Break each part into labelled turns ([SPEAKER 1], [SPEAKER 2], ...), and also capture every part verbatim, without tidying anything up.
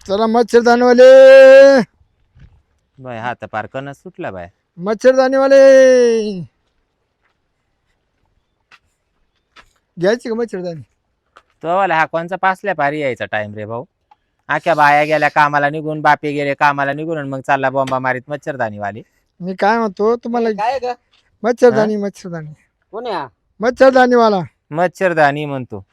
[SPEAKER 1] चला मच्छरदानीवाले
[SPEAKER 2] बाय हात पार कणच सुटला बाय.
[SPEAKER 1] मच्छरदानीवाले घ्यायची का मच्छरदानी?
[SPEAKER 2] तो वाला हा कोणचा पासल्या पारी यायचा टाइम रे भाऊ. आख्या बाया गेल्या कामाला निघून, बापे गेले कामाला निघून, आणि मग चालला बॉम्बा मारीत मच्छरदानी वाली.
[SPEAKER 1] मी काय म्हणतो तुम्हाला
[SPEAKER 3] काय ग
[SPEAKER 1] मच्छरदानी मच्छरदानी
[SPEAKER 3] कोण आहे हा?
[SPEAKER 1] मच्छरदानीवाला
[SPEAKER 2] मच्छरदानी म्हणतो.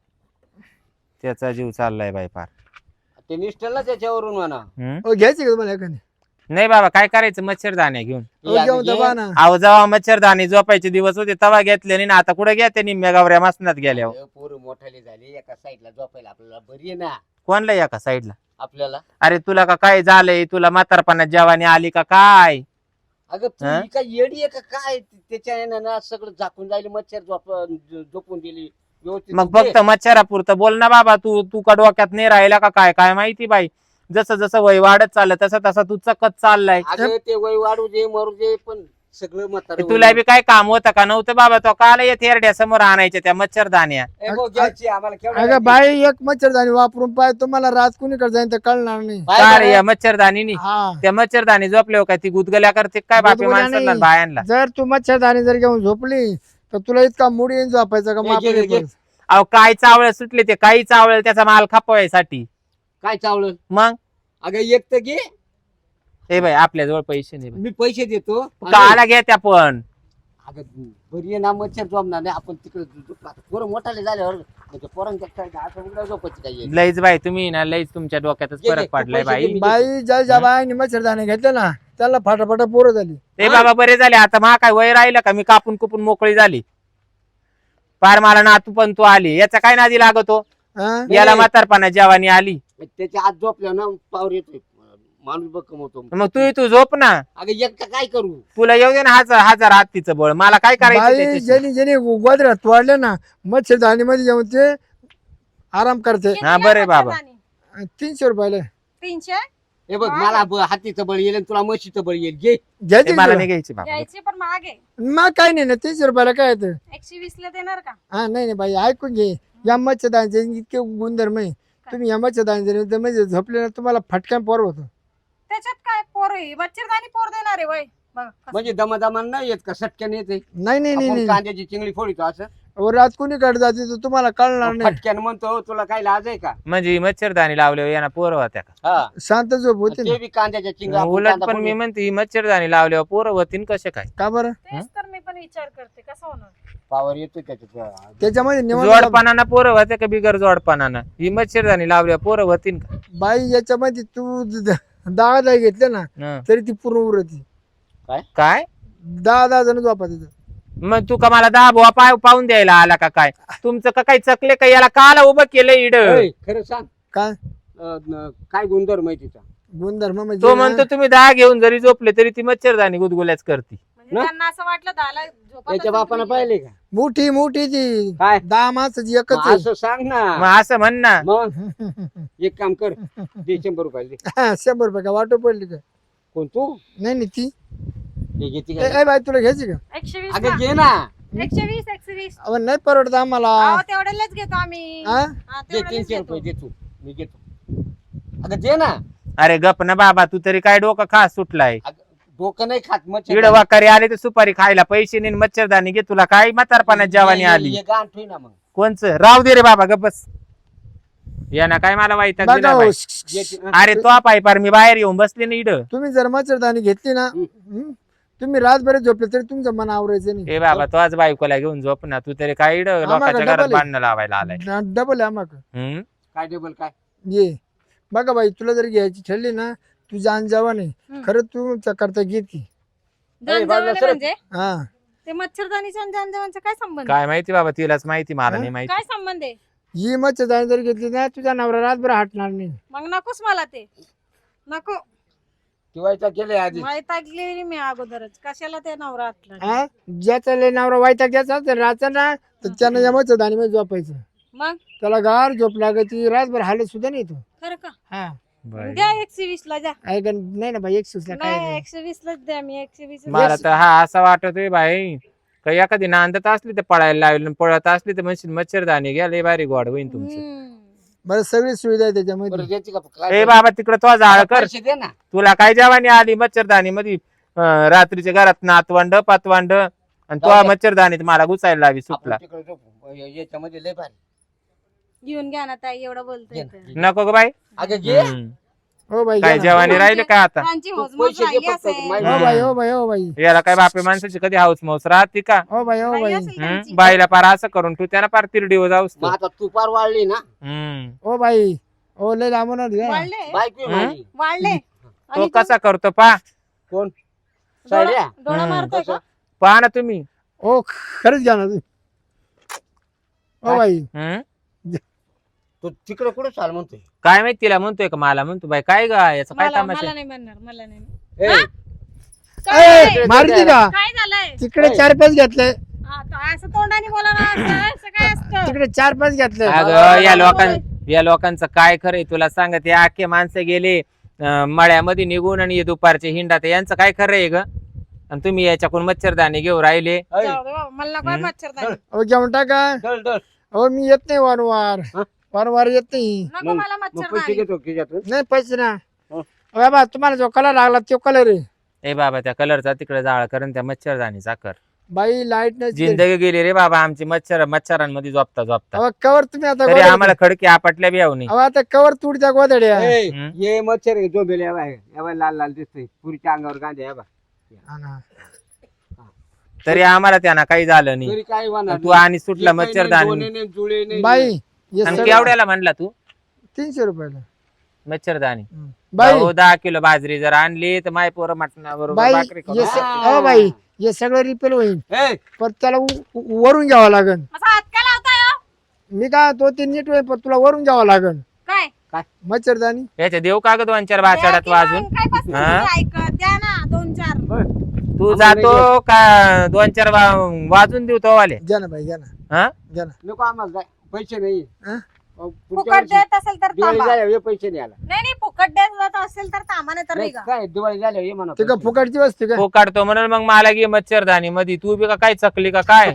[SPEAKER 2] त्याचा जीव चाललाय बाय पार.
[SPEAKER 3] ते निष्ठल ना त्याच्यावरून म्हणा.
[SPEAKER 2] हम्म?
[SPEAKER 1] ओ घ्यायची का तुम्हाला एखादी?
[SPEAKER 2] नाही बाबा काय करायचं मच्छरदाण्या घेऊन.
[SPEAKER 1] ओ घेऊन दबा ना.
[SPEAKER 2] अहो जेव्हा मच्छरदाणी झोपायचे दिवस होते तेव्हा घेतले नाही ना, आता कुठे घेते निम्म्या गावऱ्या मसनात गेल्यावर.
[SPEAKER 3] अरे, पोरं मोठाले झाले एका साईडला झोपायला आपल्याला बरी आहे ना
[SPEAKER 2] कोणला या का साईडला?
[SPEAKER 3] आपल्याला.
[SPEAKER 2] अरे तुला का काय झालंय? तुला म्हातारपणात जेवानी आली का काय?
[SPEAKER 3] अगं तू
[SPEAKER 2] हा?
[SPEAKER 3] ही काय येडी आहे का काय? त्याच्या यानं ना सगळं झाकून जायला मच्छर झोप झोपून दिली व्यवस्थित.
[SPEAKER 2] मग फक्त मच्छरापुरतं बोल ना बाबा. तू तू का डोक्यात नाही राहिला का काय? काय माहिती बाई. जसं जसं वय वाढत चाललं तसं तसं तू चकत चाललाय.
[SPEAKER 3] अगं ते वय वाढू दे मरू दे पण सगळं म्हातारं
[SPEAKER 2] तुला बी काय काम होतं का? नव्हतं बाबा. तो काल येत हेरड्या समोर आणायच्या त्या मच्छरदाण्या.
[SPEAKER 3] ए, भाऊ, घ्यायची आम्हाला केवढं
[SPEAKER 1] अगं
[SPEAKER 3] लागते?
[SPEAKER 1] बाई एक मच्छरदानी वापरून पाय तुम्हाला रात कुणीकडे जाईन तर कळणार नाही.
[SPEAKER 3] बाय
[SPEAKER 2] काय
[SPEAKER 3] बाय.
[SPEAKER 2] रे या मच्छरदानीनी?
[SPEAKER 1] हा
[SPEAKER 2] त्या मच्छरदानी झोपले काय? ती गुदगल्या करते काय बापी
[SPEAKER 1] गुदगुल्या
[SPEAKER 2] माणसाला
[SPEAKER 1] नाही.
[SPEAKER 2] बायांना?
[SPEAKER 1] जर तू मच्छरदानी जर घेऊन झोपली तर तुला इतका मूड येऊन झोपायचा का
[SPEAKER 3] घे,
[SPEAKER 1] माप
[SPEAKER 3] घे,
[SPEAKER 1] नाही
[SPEAKER 3] घे.
[SPEAKER 1] पडत.
[SPEAKER 2] अहो काय चावळ सुटले ते. काही चावळ त्याचा माल खपवायसाठी.
[SPEAKER 3] काय चावलं?
[SPEAKER 2] मग
[SPEAKER 3] अगं एक तर घे.
[SPEAKER 2] हे बाई आपल्या जवळ पैसे नाही बाई.
[SPEAKER 3] मी पैसे देतो.
[SPEAKER 2] काला घ्या त्या पण.
[SPEAKER 3] अगं बरी आहे ना मच्छर झोपणार नाही आपण तिकडे पोरं मोठाले झाल्यावर म्हणजे पोरांच्या काय असं उघड्या झोपायची काय आहे?
[SPEAKER 2] लईच बाई तुम्ही ना लईच तुमच्या डोक्यातच
[SPEAKER 3] घे, घे,
[SPEAKER 2] फरक पडलाय
[SPEAKER 3] पैसे घे,
[SPEAKER 2] बाई.
[SPEAKER 3] मी-
[SPEAKER 1] बाई ज्या ज्या बाईने मच्छरदानी घेतले ना त्याला फाटाफाटा पोरं झाली.
[SPEAKER 2] ते बाबा बरे झाले. आता मा काय वय राहिलं का? मी कापून कुपून मोकळी झाली. पार मला ना तू पण तू आली. याचा काय नादी लागतो?
[SPEAKER 1] हा?
[SPEAKER 2] याला म्हातारपणा जेवानी आली.
[SPEAKER 3] त्याच्या आत झोपल्या ना पावर येतोय माणूस बघ कमवतो.
[SPEAKER 2] मग तू तू झोप ना.
[SPEAKER 3] अगं एकटा काय करू?
[SPEAKER 2] तुला येऊ दे ना हजार हजार हत्तीचं बळ. मला काय करायचं
[SPEAKER 1] बाई
[SPEAKER 2] त्याच्याशी?
[SPEAKER 1] ज्यांनी ज्यांनी गोदऱ्यात तोडले ना मच्छरदानी मध्ये जाऊन ते आराम करते.
[SPEAKER 2] हा बरे बाबा.
[SPEAKER 1] तीनशे रुपयाला
[SPEAKER 4] तीनशे
[SPEAKER 3] हे बघ मला ब- हातीचं बळ येईल आणि तुला म्हशीचं बळ येईल. घे.
[SPEAKER 1] घ्यायची
[SPEAKER 2] ते मला
[SPEAKER 1] का
[SPEAKER 2] नाही घ्यायची बाबा.
[SPEAKER 4] घ्यायचे पण मागे
[SPEAKER 1] मग काय नाही ना तीनशे रुपयाला काय येतं.
[SPEAKER 4] एकशे वीस ला देणार का?
[SPEAKER 1] हा नाही नाही बाई ऐकून घे. या मच्छरदानीचे इतके गुणधर्म आहे. तुम्ही या मच्छरदानीचे म्हणजे झोपले ना तुम्हाला फटक्यान पोर होतो.
[SPEAKER 4] त्याच्यात काय पोर आहे? मच्छरदाणी पोर देणार आहे वय बघ कसं.
[SPEAKER 3] म्हणजे दमादमान नाही येत का सटक्यान येते?
[SPEAKER 1] नाही नाही नाही
[SPEAKER 3] आपण
[SPEAKER 1] नाही
[SPEAKER 3] कांद्याची चिंगडी फोडितो असं
[SPEAKER 1] अहो, रात कुणीकडे जाते तर तुम्हाला कळणार नाही.
[SPEAKER 3] फटक्यान म्हणतो तुला काय लाज आहे का?
[SPEAKER 2] म्हणजे ही मच्छरदाणी लावल्यावर यांना पोरं होत्या का?
[SPEAKER 3] हा
[SPEAKER 1] शांत झोप होते
[SPEAKER 3] ते
[SPEAKER 1] ना.
[SPEAKER 3] बी कांद्याच्या चिंगड्या आपण
[SPEAKER 2] उलट
[SPEAKER 3] कांदा
[SPEAKER 2] पण मी
[SPEAKER 3] फोडून-
[SPEAKER 2] म्हणते ही मच्छरदाणी लावल्यावर पोरं होतीन कसे काय?
[SPEAKER 1] का बरं?
[SPEAKER 4] तेच तर मी पण विचार करते कसं होणार.
[SPEAKER 3] पावर येतोय त्याच्यात.
[SPEAKER 1] त्याच्यामध्ये निवड
[SPEAKER 2] जोडपणानं पोरं होते का बिगर जोडपणानं? ही मच्छरदाणी लावल्यावर पोरं होतीन का?
[SPEAKER 1] बाई याच्यामध्ये तू द- दहा दहा घेतले ना
[SPEAKER 2] हं.
[SPEAKER 1] तरी ती पूर्ण उरती.
[SPEAKER 2] काय
[SPEAKER 1] दहा दहा जण झोपा तिथं.
[SPEAKER 2] मग तू का मला दहा बुवा पाय पाहून द्यायला आला का काय? तुमचं का काही चकले का? याला काला उभं केलं इड?
[SPEAKER 3] ए, खरं सांग
[SPEAKER 1] काय
[SPEAKER 3] अं, न- काय गुणधर्म आहे तिचा?
[SPEAKER 1] गुणधर्म म्हणजे
[SPEAKER 2] तो
[SPEAKER 1] ना,
[SPEAKER 2] म्हणतो तुम्ही दहा घेऊन जरी झोपले तरी ती मच्छरदाणी गुदगुल्याच करते.
[SPEAKER 4] म्हणजे
[SPEAKER 3] ना?
[SPEAKER 4] त्यांना असं वाटलं दहाला झोपत
[SPEAKER 3] त्याच्या
[SPEAKER 4] असेल
[SPEAKER 3] बापानं
[SPEAKER 4] तुम्ही.
[SPEAKER 3] पाहिले का?
[SPEAKER 1] मोठी मोठी ती
[SPEAKER 3] काय?
[SPEAKER 1] दहा माणसाची एकच
[SPEAKER 3] मग
[SPEAKER 1] आहे.
[SPEAKER 3] असं सांग ना.
[SPEAKER 2] मग असं म्हण ना.
[SPEAKER 3] मग एक काम कर दे शंभर रुपये दे.
[SPEAKER 1] हा, शंभर रुपये का वाटो पडली का?
[SPEAKER 3] कोण तू?
[SPEAKER 1] नाही नाही ती
[SPEAKER 3] हे घेते
[SPEAKER 1] ए,
[SPEAKER 3] का?
[SPEAKER 1] ए, बाई तुला घ्यायची का?
[SPEAKER 4] एकशे वीस
[SPEAKER 3] अगं
[SPEAKER 4] ला.
[SPEAKER 3] घे ना.
[SPEAKER 4] एकशे वीस एकशे वीस
[SPEAKER 1] अहो, नाही परवडत आम्हाला.
[SPEAKER 4] अहो, तेवढ्यालाच घेतो आम्ही
[SPEAKER 1] हा?
[SPEAKER 4] हा,
[SPEAKER 3] दे
[SPEAKER 4] तेवढ्यालाच
[SPEAKER 3] तीनशे
[SPEAKER 4] घेतो.
[SPEAKER 3] रुपये दे तू. मी घेतो. अगं दे ना.
[SPEAKER 2] अरे गप ना बाबा. तू तरी काय डोकं खास सुटलाय?
[SPEAKER 3] अगं, डोकं नाही खात
[SPEAKER 2] इड
[SPEAKER 3] मच्छर.
[SPEAKER 2] वाकारी आले तर सुपारी खायला पैसे नाही, मच्छरदाणी घे. तुला काय म्हातारपणात जेवानी आली?
[SPEAKER 3] हे गाण ठेव ना मग.
[SPEAKER 2] कोणचं? राव दे रे बाबा गप बस. याना काय मला वाईट
[SPEAKER 1] बघा हो,
[SPEAKER 3] घे ती-
[SPEAKER 2] अरे तो पाय पार मी बाहेर येऊन बसले ना इड.
[SPEAKER 1] तुम्ही जर मच्छरदाणी घेतली ना हं, तुम्ही रातभर झोपले तरी तुमचं मन आवरायचं नाही.
[SPEAKER 2] ए बाबा तो आज बायकोला घेऊन झोप ना. तू तरी काय इड लोकांच्या
[SPEAKER 1] डबल
[SPEAKER 2] घरात
[SPEAKER 1] आहे.
[SPEAKER 2] बांधणं लावायला आलाय.
[SPEAKER 1] डबल आहे आम्हाला.
[SPEAKER 2] हम्म?
[SPEAKER 3] काय डबल काय?
[SPEAKER 1] ये बघा बाई तुला जर घ्यायची ठरली ना तू जाण जावा नाही
[SPEAKER 4] हं.
[SPEAKER 1] खरं तू करता घेत की.
[SPEAKER 4] जाण
[SPEAKER 3] बाजूला
[SPEAKER 4] जवळ
[SPEAKER 3] सरक.
[SPEAKER 4] म्हणजे
[SPEAKER 1] हा
[SPEAKER 4] ते मच्छरदाणीचा आणि जानजवांचा काय संबंध?
[SPEAKER 2] काय माहिती बाबा तिलाच माहिती, मला
[SPEAKER 1] हं?
[SPEAKER 2] नाही माहिती.
[SPEAKER 4] काय संबंध आहे?
[SPEAKER 1] ही मच्छरदाणी जर घेतली ना तुझा नवरा रातभर हटणार नाही.
[SPEAKER 4] मग नकोच मला ते. नको.
[SPEAKER 3] ठेवायचा केलंय आधी.
[SPEAKER 4] वैतागलेली मी अगोदरच. कशाला ते नवरा असला?
[SPEAKER 1] हा ज्याचा लय नवरा वाईटा घ्यायचा तर राहता ना तर त्यानं या मच्छरदाणी मध्ये झोपायचं.
[SPEAKER 4] मग
[SPEAKER 1] त्याला गार झोप लागती रातभर हालत सुद्धा नाही तो.
[SPEAKER 4] खरं का?
[SPEAKER 1] हा
[SPEAKER 2] बरं.
[SPEAKER 4] द्या एकशे वीस ला द्या.
[SPEAKER 1] ऐक नाही ना बाई एक सुचला काय
[SPEAKER 4] नाही
[SPEAKER 1] नाही.
[SPEAKER 4] एकशे वीस लाच द्या. मी एकशे वीस
[SPEAKER 2] मला तर हा असा वाटतोय बाई काही एखादी नांदत असली तर पळायला लावली, पळत असली तर म्हणशील मच्छरदाणी घ्या लय भारी गोड होईन तुमचं.
[SPEAKER 1] बरं सगळी सुविधा आहे त्याच्यामध्ये.
[SPEAKER 3] बरं द्यायची का
[SPEAKER 2] ए
[SPEAKER 3] काय
[SPEAKER 2] बाबा तिकडे तो जाळ कर.
[SPEAKER 3] पैसे दे ना.
[SPEAKER 2] तुला काय जेवानी आली मच्छरदानी मध्ये रात्रीच्या घरात नातवंड पातवंड आणि तो
[SPEAKER 3] जाऊ दे.
[SPEAKER 2] मच्छरदानीत मला घुसायला लावी
[SPEAKER 3] आपण
[SPEAKER 2] सुपला.
[SPEAKER 3] तिकडे झोपू. या- याच्यामध्ये लय भारी.
[SPEAKER 4] घेऊन घ्या ना ताई एवढं बोलतोय तर.
[SPEAKER 2] नको ग बाई.
[SPEAKER 3] अगं घे.
[SPEAKER 2] हम्म.
[SPEAKER 1] हो बाई
[SPEAKER 2] काय
[SPEAKER 1] घ्या ना.
[SPEAKER 2] जेवानी राहिले काय आता
[SPEAKER 4] त्यांची
[SPEAKER 3] तू
[SPEAKER 4] मोजमोज
[SPEAKER 3] पैसे दे
[SPEAKER 4] राहिली
[SPEAKER 3] फक्त,
[SPEAKER 4] असेल.
[SPEAKER 3] माहिती
[SPEAKER 1] हो
[SPEAKER 2] हम्म.
[SPEAKER 1] बाई हो बाई हो बाई
[SPEAKER 2] याला काय बापे माणसाची कधी हाऊस मौस राहते का.
[SPEAKER 1] हो बाई हो
[SPEAKER 4] राहिली
[SPEAKER 1] बाई
[SPEAKER 4] असेल
[SPEAKER 2] हम्म?
[SPEAKER 4] त्यांची.
[SPEAKER 2] बाईला पार असं करून तू त्याला पार तिरडीवर जाऊस
[SPEAKER 3] मग आता तू पार वाढली ना.
[SPEAKER 2] हम्म
[SPEAKER 1] हो बाई हो लय लांबून आली हा.
[SPEAKER 4] वाढले
[SPEAKER 3] बायको आहे
[SPEAKER 2] हं?
[SPEAKER 3] माझी.
[SPEAKER 4] वाढले
[SPEAKER 2] तो कसा करतो पा
[SPEAKER 3] कोण
[SPEAKER 4] डोळा
[SPEAKER 3] साड्या?
[SPEAKER 4] डोळा
[SPEAKER 2] हम्म.
[SPEAKER 4] मारतोय का?
[SPEAKER 2] पहा ना तुम्ही.
[SPEAKER 1] हो खरंच घ्या ना तुम्ही. हो बाई
[SPEAKER 2] हम्म?
[SPEAKER 3] तू तिकडे कुठे चाल म्हणतोय.
[SPEAKER 2] काय माहिती तिला म्हणतोय का मला म्हणतो बाई काय ग याचं काय
[SPEAKER 4] मला
[SPEAKER 2] तमाशा
[SPEAKER 4] मला
[SPEAKER 2] आहे?
[SPEAKER 4] नाही म्हणणार मला नाही म्हणणार.
[SPEAKER 3] ए,
[SPEAKER 4] काय
[SPEAKER 1] ए, मारती का
[SPEAKER 4] काय झालंय
[SPEAKER 1] तिकडे
[SPEAKER 3] ए.
[SPEAKER 1] चार पाच घेतले
[SPEAKER 4] हा, तो असं तोंडाने बोला ना असं असं काय असतं
[SPEAKER 1] तिकडे चार पाच घेतले
[SPEAKER 2] अगं या लोकां या लोकांचं काय खरंय तुला सांगत हे आखे माणसं गेले अं, मळ्यामध्ये निघून आणि हे दुपारचे हिंडात यांचं काय खरंय ग. आणि तुम्ही याच्याकडून मच्छरदाणी घेऊन राहिले.
[SPEAKER 3] ऐ,
[SPEAKER 4] जाऊ दे बाबा, मला नको
[SPEAKER 2] हम्म.
[SPEAKER 4] मच्छरदाणी
[SPEAKER 1] हो घेऊन टाका.
[SPEAKER 3] डल डल.
[SPEAKER 1] हो मी येत नाही वारंवार
[SPEAKER 3] हा?
[SPEAKER 1] वारंवार येत नाही.
[SPEAKER 4] नको
[SPEAKER 3] मग-
[SPEAKER 4] मला
[SPEAKER 3] मग पैसे
[SPEAKER 4] मच्छरदाणी
[SPEAKER 3] घेतो खिशातून.
[SPEAKER 1] नाही पैसे ना
[SPEAKER 3] हो.
[SPEAKER 1] हो बाबा तुम्हाला जो कलर लागला तो कलर आहे.
[SPEAKER 2] ए बाबा त्या कलरचा तिकडे जाळ करून त्या मच्छरदाणीचा कर.
[SPEAKER 1] बाई लाईट नाही
[SPEAKER 2] जिंदगी गेली रे बाबा आमची मच्छर मच्छरांमध्ये झोपता झोपता.
[SPEAKER 1] अहो, कवर तुम्ही आता
[SPEAKER 2] तरी
[SPEAKER 1] गोधड्या-
[SPEAKER 2] आम्हाला खडकी आपटल्या बी नाही.
[SPEAKER 1] अहो, आता कवर तुडच्या गोधड्या
[SPEAKER 3] ए,
[SPEAKER 2] हं?
[SPEAKER 3] ये मच्छर आहे, जो बेल या बाय या बाय लाल लाल दिसतोय पुरीच्या अंगावर गांधी या बा.
[SPEAKER 1] हा ना.
[SPEAKER 2] तरी आम्हाला त्यांना काही झालं नाही.
[SPEAKER 3] तरी काय होणार
[SPEAKER 2] तू
[SPEAKER 3] नाही.
[SPEAKER 2] आणि सुटला
[SPEAKER 3] हे काही नाही,
[SPEAKER 2] मच्छरदाणी.
[SPEAKER 3] दोन्ही नाही, जुळे नाही.
[SPEAKER 1] बाई हे
[SPEAKER 2] आणि
[SPEAKER 1] सगळं-
[SPEAKER 2] केवढ्याला म्हणला तू
[SPEAKER 1] तीनशे रुपयाला
[SPEAKER 2] मच्छरदाणी.
[SPEAKER 1] हं. बाई
[SPEAKER 2] भाऊ दहा किलो बाजरी जर आणली तर माय पोरं मटणाबरोबर
[SPEAKER 1] बाई
[SPEAKER 2] भाकरी करू.
[SPEAKER 1] हे स- हो बाई हे सगळं रिपेअर होईल
[SPEAKER 3] ए,
[SPEAKER 1] पण त्याला उ- उ- वरून घ्यावं लागन.
[SPEAKER 4] असा हात काय लावताय हो?
[SPEAKER 1] मी काय तो ते नीट होईल पण तुला वरून घ्यावं लागन
[SPEAKER 4] काय
[SPEAKER 1] मच्छरदानी.
[SPEAKER 2] याच्या देऊ का ग दोन चार बाचाड्यात
[SPEAKER 4] द्या की
[SPEAKER 2] वाजून.
[SPEAKER 4] मग, काय बसली
[SPEAKER 2] हा?
[SPEAKER 4] तुम्ही ऐकत द्या ना दोन चार
[SPEAKER 2] तू
[SPEAKER 3] आम्हाला
[SPEAKER 2] जातो का दोन चार वा- वाजून देऊ तो वाले.
[SPEAKER 1] घ्या ना बाई घ्या ना
[SPEAKER 2] हा
[SPEAKER 1] घ्या ना.
[SPEAKER 3] नको आम्हाला जाय. पैसे नाही.
[SPEAKER 1] हं?
[SPEAKER 3] अहो, पुढच्या
[SPEAKER 4] फुकट
[SPEAKER 3] वर्षी
[SPEAKER 4] देत असेल तर
[SPEAKER 3] दिवाळी
[SPEAKER 4] थांबा.
[SPEAKER 3] झाल्यावर ये पैसे नाही आला.
[SPEAKER 4] नाही नाही फुकट देत असेल तर थांबा नाही तर
[SPEAKER 3] नाही,
[SPEAKER 4] निघा.
[SPEAKER 3] काय दिवाळी झाल्यावर ये म्हणा
[SPEAKER 1] ते का
[SPEAKER 3] पैसे.
[SPEAKER 1] फुकटची वस्तू का
[SPEAKER 2] तो काढतो म्हणून मग मला घे मच्छरदाणी मध्ये तू बी का काय चकली का काय.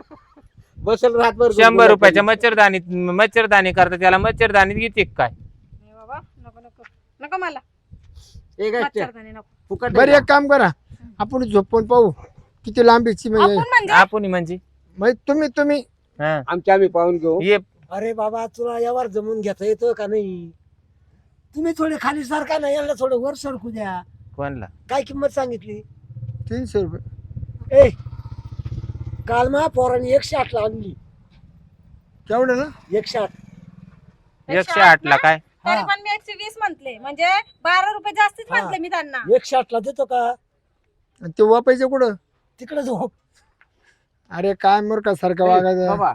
[SPEAKER 3] बसल रातभर
[SPEAKER 2] शंभर रुपयाच्या मच्छरदाणी मच्छरदाणी करता त्याला मच्छरदानीत घेते का काय.
[SPEAKER 4] नाही बाबा नको नको नको मला
[SPEAKER 3] एक असते.
[SPEAKER 4] मच्छरदाणी नको.
[SPEAKER 3] फुकट
[SPEAKER 1] बरं
[SPEAKER 3] नाही
[SPEAKER 1] एक काम करा आपण झोपून पाहू किती लांबीची
[SPEAKER 4] आपण
[SPEAKER 1] म्हणजे
[SPEAKER 4] म्हणजे
[SPEAKER 2] आपण म्हणजे
[SPEAKER 1] म्हणजे तुम्ही तुम्ही
[SPEAKER 2] हा.
[SPEAKER 3] का? आमच्या आम्ही पाहून घेऊ.
[SPEAKER 2] ये
[SPEAKER 5] अरे बाबा तुला यावर जमून घेता येतं का नाही. तुम्ही थोडे खाली सारखा ना यांना थोडं वर सरकू द्या.
[SPEAKER 2] कोणला
[SPEAKER 5] काय किंमत सांगितली.
[SPEAKER 1] तीनशे रुपये
[SPEAKER 5] ए काल मा पोरांनी एकशे आठ ला आणली.
[SPEAKER 1] केवढं ना
[SPEAKER 5] एकशे आठ
[SPEAKER 2] एकशे आठ ला काय.
[SPEAKER 4] तरी
[SPEAKER 5] हा.
[SPEAKER 4] पण मी एकशे वीस म्हंटले म्हणजे बारा रुपये जास्तीच
[SPEAKER 5] हा.
[SPEAKER 4] म्हंटले मी त्यांना.
[SPEAKER 5] एकशे आठ ला देतो का.
[SPEAKER 1] आणि ते वापायचं कुठं.
[SPEAKER 5] तिकडे झोप.
[SPEAKER 1] अरे काय मूर्खा सारखं
[SPEAKER 3] ए,
[SPEAKER 1] वागायचं.
[SPEAKER 3] बाबा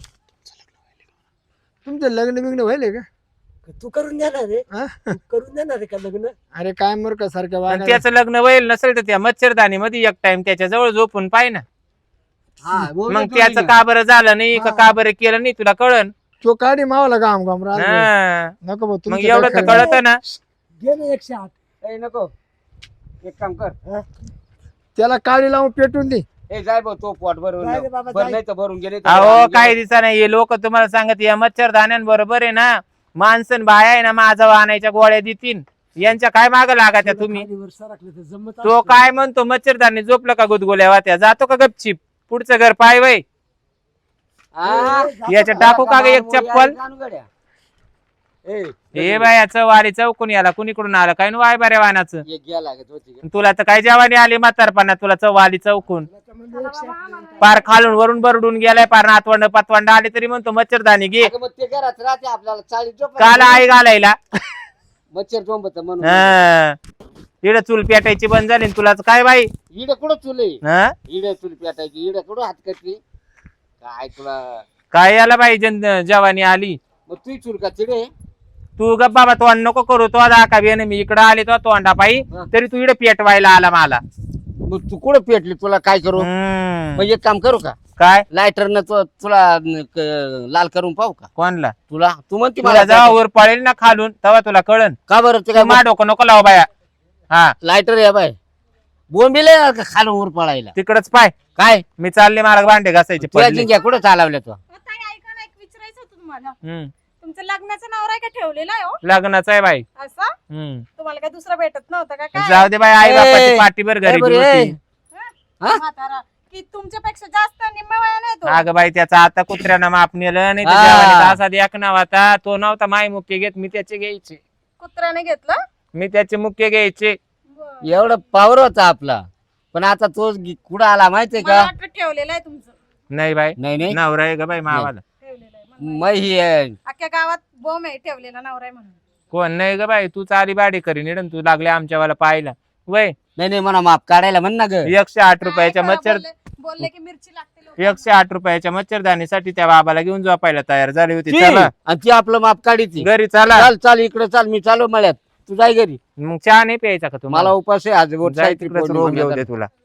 [SPEAKER 1] तुमचं लग्न बिग्न व्हायले का.
[SPEAKER 5] तू करून देणार रे.
[SPEAKER 1] हा?
[SPEAKER 5] तू करून देणार आहे का लग्न.
[SPEAKER 1] अरे काय मूर्खा सारखं
[SPEAKER 2] आणि
[SPEAKER 1] वागायचं.
[SPEAKER 2] त्याचं लग्न व्हायला नसेल तर त्या मच्छरदानी मध्ये एक टाइम त्याच्या जवळ झोपून पाय ना.
[SPEAKER 3] हा बोल
[SPEAKER 2] मग
[SPEAKER 3] तू
[SPEAKER 2] त्याचं
[SPEAKER 3] नाही.
[SPEAKER 2] का बरं झालं नाही का
[SPEAKER 1] हा.
[SPEAKER 2] का बरं केलं नाही तुला कळन.
[SPEAKER 1] तो काढी मावला काम काम राहत नाही.
[SPEAKER 2] हा.
[SPEAKER 1] नको भाऊ
[SPEAKER 2] मग
[SPEAKER 1] तुमचं
[SPEAKER 2] एवढं
[SPEAKER 1] काय
[SPEAKER 2] तर
[SPEAKER 1] खरं नाही.
[SPEAKER 2] कळत ना.
[SPEAKER 5] घे ना एकशे आठ.
[SPEAKER 3] ए, नको एक काम कर.
[SPEAKER 1] त्याला काळी लावून पेटून दे.
[SPEAKER 3] ए जाय भाऊ तो पोट भरून
[SPEAKER 5] जाय रे
[SPEAKER 3] लाव.
[SPEAKER 5] बाबा,
[SPEAKER 3] भर
[SPEAKER 5] जाय.
[SPEAKER 3] नाही तर भरून गेले तर
[SPEAKER 2] अहो
[SPEAKER 3] भरून
[SPEAKER 2] काय
[SPEAKER 3] गेले.
[SPEAKER 2] दिसा नाही हे लोक तुम्हाला सांगत या मच्छरदाण्यांबरोबर आहे ना माणसं बाया आहे ना माझा आणायच्या गोळ्या देतील यांच्या काय माग लागात्या तुम्ही.
[SPEAKER 5] खाली वर सरकलं तर जमत
[SPEAKER 2] तो
[SPEAKER 5] असतं.
[SPEAKER 2] काय म्हणतो मच्छरदानी झोपलं का गुदगुल्या वात्या जातो का गपचिप पुढचं घर पाय वय.
[SPEAKER 3] हा?
[SPEAKER 5] ए, जातो
[SPEAKER 2] याच्या
[SPEAKER 5] का?
[SPEAKER 2] टाकू का ग एक चप्पल.
[SPEAKER 3] जाणू गड्या. ए
[SPEAKER 2] हे बायाचं वारी चौकून याला कुणीकडून आलं काय वाय बऱ्या वाहनाचं.
[SPEAKER 3] एक घ्या लागत होती.
[SPEAKER 2] तुला तर काय जेवानी आली म्हातारपणा तुला चव आली चौकून.
[SPEAKER 5] त्याच्यामध्ये एकशे आठ ला.
[SPEAKER 2] पार खालून वरून बरडून गेलाय पार नातवंड पतवंड आले तरी म्हणतो मच्छरदानी घे.
[SPEAKER 3] अगं मग ते घरात राहते आपल्याला चाळीस झोप
[SPEAKER 2] काल आई घालायला.
[SPEAKER 3] मच्छर झोंबत म्हणून.
[SPEAKER 2] हा. इकडं चूल पेटायची बंद झाली न तुलाच काय बाई.
[SPEAKER 3] इड कुठं चुले
[SPEAKER 2] हा?
[SPEAKER 3] इड चुल पेटायची इड कुठं हात कटली काय तुला.
[SPEAKER 2] काय याला बाई जन जवानी आली.
[SPEAKER 3] मग तू चुल का चिडे.
[SPEAKER 2] तू गप बाबा तोंड नको करू तो दाखा बी मी इकडं आले तो तोंडा पायी
[SPEAKER 3] हा.
[SPEAKER 2] तरी तू इकडे पेटवायला आला मला.
[SPEAKER 3] मग तू कुठं पेटली तुला काय करू.
[SPEAKER 2] हम्म.
[SPEAKER 3] मग एक काम करू का
[SPEAKER 2] काय
[SPEAKER 3] लायटरनं तु- तुला न- क- लाल करून पाहू का
[SPEAKER 2] कोणला
[SPEAKER 3] तुला तू म्हणते
[SPEAKER 2] तुला
[SPEAKER 3] मला
[SPEAKER 2] जेव्हा वर पळेल ना खालून तेव्हा तुला कळन.
[SPEAKER 3] का बरं ते
[SPEAKER 2] तू
[SPEAKER 3] काय
[SPEAKER 2] मा डोकं नको लाव बाया. हा
[SPEAKER 3] लायटर या बाय बोंबिले खालून वर पळायला
[SPEAKER 2] तिकडच पाय
[SPEAKER 3] काय
[SPEAKER 2] मी चालले मला भांडे घासायचे
[SPEAKER 3] तुझ्या
[SPEAKER 2] पडले.
[SPEAKER 3] जिंक्या कुठं चालवल्या तू
[SPEAKER 4] अहो, ताई ऐका ना एक विचारायचं होतं तुम्हाला.
[SPEAKER 2] हम्म.
[SPEAKER 4] तुमचं लग्नाचं नाव आहे का ठेवलेलं आहे हो
[SPEAKER 2] लग्नाचं आहे बाई.
[SPEAKER 4] असं
[SPEAKER 2] हम्म.
[SPEAKER 4] तुम्हाला काय दुसरं भेटत नव्हतं का काय
[SPEAKER 2] जाऊ दे बाई, आई
[SPEAKER 3] ए,
[SPEAKER 2] बापाची पाठीभर
[SPEAKER 3] ए,
[SPEAKER 2] गरीबी
[SPEAKER 3] बरे.
[SPEAKER 2] होती.
[SPEAKER 3] हा?
[SPEAKER 4] म्हातारा की तुमच्यापेक्षा जास्त निम्म्या वयाने आहे तो.
[SPEAKER 2] अगं बाई, त्याचा आता कुत्र्यानं माप नेलं नाही तर
[SPEAKER 3] हा.
[SPEAKER 2] जेवानीचा असा एक नाव होता, तो नव्हता माय मुख्य घेत, मी त्याचे घ्यायचे.
[SPEAKER 4] कुत्र्याने घेतलं
[SPEAKER 2] मी त्याचे मुख्य घ्यायचे.
[SPEAKER 4] बरं.
[SPEAKER 3] एवढं पावर होता आपला, पण आता तो गी- कुठं आला माहितीये
[SPEAKER 4] मला
[SPEAKER 3] का?
[SPEAKER 4] वाटलं ठेवलेलं आहे तुमचं
[SPEAKER 2] नाही बाई,
[SPEAKER 3] नाही नाही
[SPEAKER 2] नवरा आहे ग बाई मावाला.
[SPEAKER 4] ठेवलेलं आहे मला
[SPEAKER 3] मग ही आहे.
[SPEAKER 4] अख्ख्या गावात बोम आहे ठेवलेला नवरा आहे म्हणून.
[SPEAKER 2] कोण नाही ग बाई, तू चाली बाडी करी निडन, तू लागले आमच्यावाला पाहायला. वय
[SPEAKER 3] नाही नाही म्हणा माप काढायला म्हण ना ग.
[SPEAKER 2] एकशे आठ रुपयाच्या
[SPEAKER 4] काय करा,
[SPEAKER 2] मच्छर
[SPEAKER 4] बोलले बोलले की मिरची लागते लोकांना.
[SPEAKER 2] एकशे आठ रुपयाच्या मच्छरदानीसाठी त्या बाबाला घेऊन झोपायला तयार झाली होती.
[SPEAKER 3] ती,
[SPEAKER 2] चला
[SPEAKER 3] आणि ती आपलं माप काढीची.
[SPEAKER 2] घरी चला.
[SPEAKER 3] चाल चाल इकडे चाल, मी चालू मळ्यात, तू जाय घरी.
[SPEAKER 2] मग चहा नाही प्यायचा का
[SPEAKER 3] मला
[SPEAKER 2] तुम्हाला?
[SPEAKER 3] उपास आहे आज.
[SPEAKER 2] जाय तिकडेच रोग येऊ दे तुला.